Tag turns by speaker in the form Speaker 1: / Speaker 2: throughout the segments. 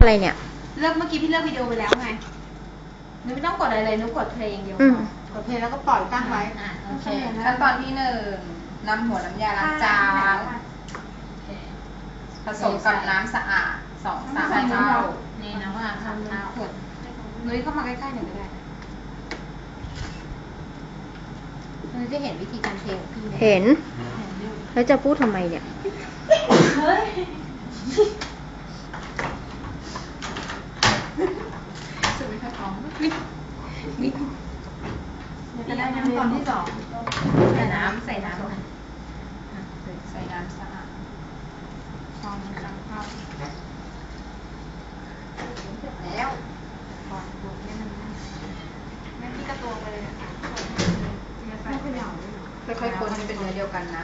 Speaker 1: อะไรเนี่ย
Speaker 2: เลือกเมื่อกี้พี่เลือกวิดีโอไปแล้วไงหนูไม่ต้องกดอะไรเลยหนูกดเพลงอย่างเดียวกดเพลงแล้วก็ปล่อยตั้งไว้
Speaker 3: โอเคขั้นตอนที่1นำหัวน้ำยาล้างจานผสมกับน้ำสะอาด2-3 เท่านี่น้ำสะอาด3 เท่า
Speaker 2: นุ้ยเข้ามาใกล้ๆหน่อยก็ได้นุ้ยจะเห็นวิธีการเทของพี่
Speaker 1: เห็นแล้วจะพูดทำไมเนี่ย
Speaker 2: เฮ้ยจะไม่ค่อยพร้อมมิดจะได้น้ำตอนที่2ใส่น้ำสะอาด2-3 เท่าแล้วก่อนบวกให้มันแม่พี่ก็ตัวไปเลยนะคะไม่ขยับ
Speaker 3: ค่อยๆคนให้เป็นเนื้อเดียวกันนะ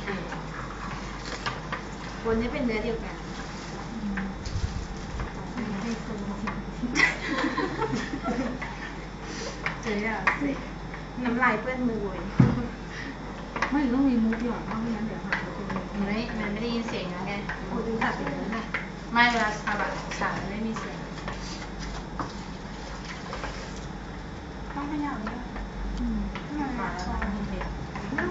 Speaker 2: คนให้เป็นเนื้อเดียวกันเจ๊อะน้ำลายเปื้อนมือเลยไม่ต้องมีมุกหยอดเพราะไม่งั้นเดี๋ยวหามันไม่ได้ยินเสียงนะไงโอ้ดูตัดไปเลยนะ
Speaker 3: ไม่เวลาทำแบบสารไม่มีเสียง
Speaker 2: ต้องขยับเนี่ย
Speaker 3: มาแล้วมันไม่เหนียวมัน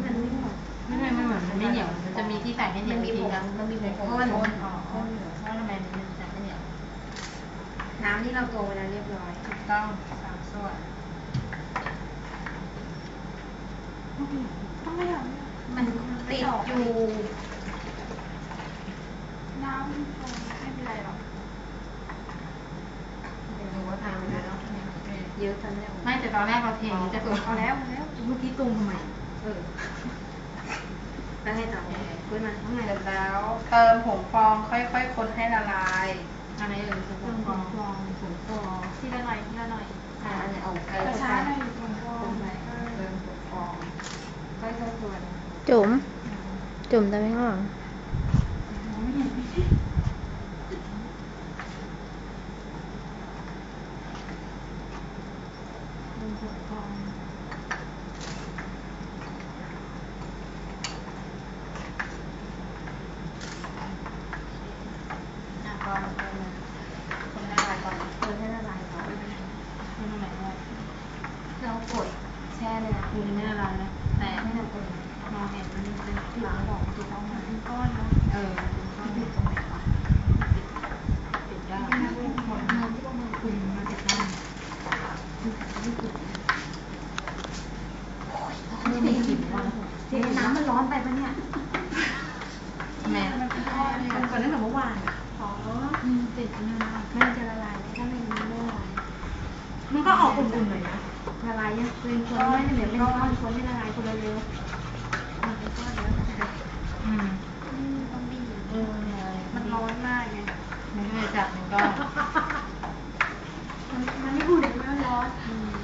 Speaker 3: จะมีที่ใส่ให้เหนียวจริงนะ
Speaker 2: มันมีผงข้น
Speaker 3: เพราะทำไมมันจะไม่เหนียว
Speaker 2: น้ำที่เราตวงเวลาเรียบร้อย
Speaker 3: ถูกต้อง3 ส่วน
Speaker 2: ต้องขยับมันติดอยู่น้ำไม่เป็นไรหรอกเดี๋ยวว่าทานไปแล้วเยอะทันแล้ว
Speaker 3: ไม่แต่ตอนแรกเราเทจะตัว
Speaker 2: เอาแล้วเมื่อกี้ตุงทำไมแล้วไงต่อคุยมาข้างใน
Speaker 3: แล้วเติมผงฟองค่อยๆคนให้ละลาย
Speaker 2: อะไรผงฟองทีละหน่อยอันนี้เอาช้าหน่อยผงฟอง
Speaker 3: เติมผงฟอง
Speaker 2: ค่อยๆคน
Speaker 1: จุ่มได้ไหมข้างหลัง
Speaker 2: ไม่เห็น
Speaker 3: คนละลายก่อน
Speaker 2: ให้ละลายก่อน
Speaker 3: ทำไมได้
Speaker 2: เรากดแช่เลยนะ
Speaker 3: คุณไม่ละลายนะแต่
Speaker 2: ไม่ทำกดมองเห็นมันเป็นหลังบอกติดต้องมาเป็นก้อนเนาะ
Speaker 3: เป็นก้อนติดตรงไหนวะติดได้
Speaker 2: หมดเงินที่ต้องมาคุยมาติดได้ไม่ได้กลิ่นว่าน้ำมันร้อนไปปะเนี่ย
Speaker 3: แม่
Speaker 2: มันเป็นก้อนก่อนตั้งแต่เมื่อวานติดนะมันจะละลายถ้าไม่ละลาย
Speaker 3: มันก็ออกอุ่นๆหน่อยนะ
Speaker 2: ละลายยังเป็นคนไม่เหลือเป็นก้อนคนให้ละลายคนเร็วมันเป็นก้อนแล้วต้องบีบมันร้อนมากไง
Speaker 3: ไม่ได้จับมันก็
Speaker 2: มันไม่อุ่นมันร้อน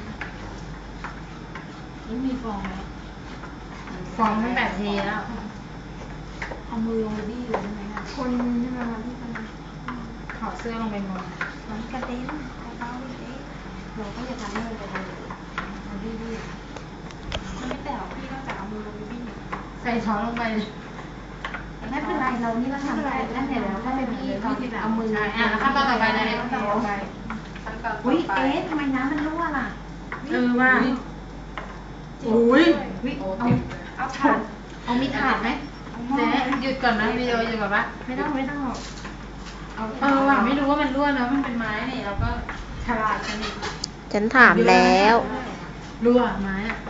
Speaker 3: นี่มีฟองไหมฟองมันแบบเทแล้ว
Speaker 2: เอามือลงไปบี้อยู่ใช่ไหมคนใช่ไหมคะที่คน
Speaker 3: ถอดเสื้อลงไปงม
Speaker 2: มันกระเด็นเบาๆเด็กเราก็จะทำให้มันกระเด็นมันบี้มันไม่แต่พี่นอกจากเอามือลงไปบี้
Speaker 3: ใส่ช้อนลงไป
Speaker 2: ไม่เป็นไรเรานี่ก็ทำได้ตั้งแต่แล้วถ้าเป็นพี่ตอนที่เอามือ
Speaker 3: แล้วขั้นตอนต่อไปเลยขั้นตอนต่อไป
Speaker 2: อุ้ยทำไมน้ำมันรั่วล่ะ
Speaker 3: ว่า
Speaker 2: อุ้ยเอาถาดเอามีถาดไหม
Speaker 3: เจ๊หยุดก่อนนะวิดีโอหยุดก่อนปะ
Speaker 2: ไม่ต้องหรอก
Speaker 3: ว่ะไม่รู้ว่ามันรั่วนะมันเป็นไม้นี่แล้วก็ฉลาดกันอีก
Speaker 1: ฉันถามแล้ว
Speaker 3: รั่วไม้อะ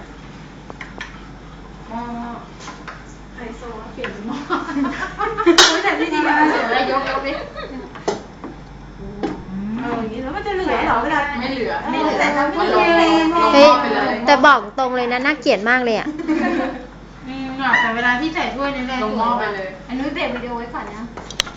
Speaker 2: ไฮโซเปลี่ยนหม้อ
Speaker 3: แต่ที่ดีอะแล้วยกดิ
Speaker 2: อย่างนี้แล้วมันจะเหลือเหรอเวลา
Speaker 3: ไม่เหลือ
Speaker 2: แต่ทำไม่เ
Speaker 1: ฮ้ยแต่บอกตรงเลยนะน่าเกลียดมากเลยอ่ะ
Speaker 3: แต่เวลาพี่ใส่ถ้วยนี่เลย
Speaker 2: ลงหม้อไปเลยอันนู้นเบรกวิดีโอไว้ก่อนนะ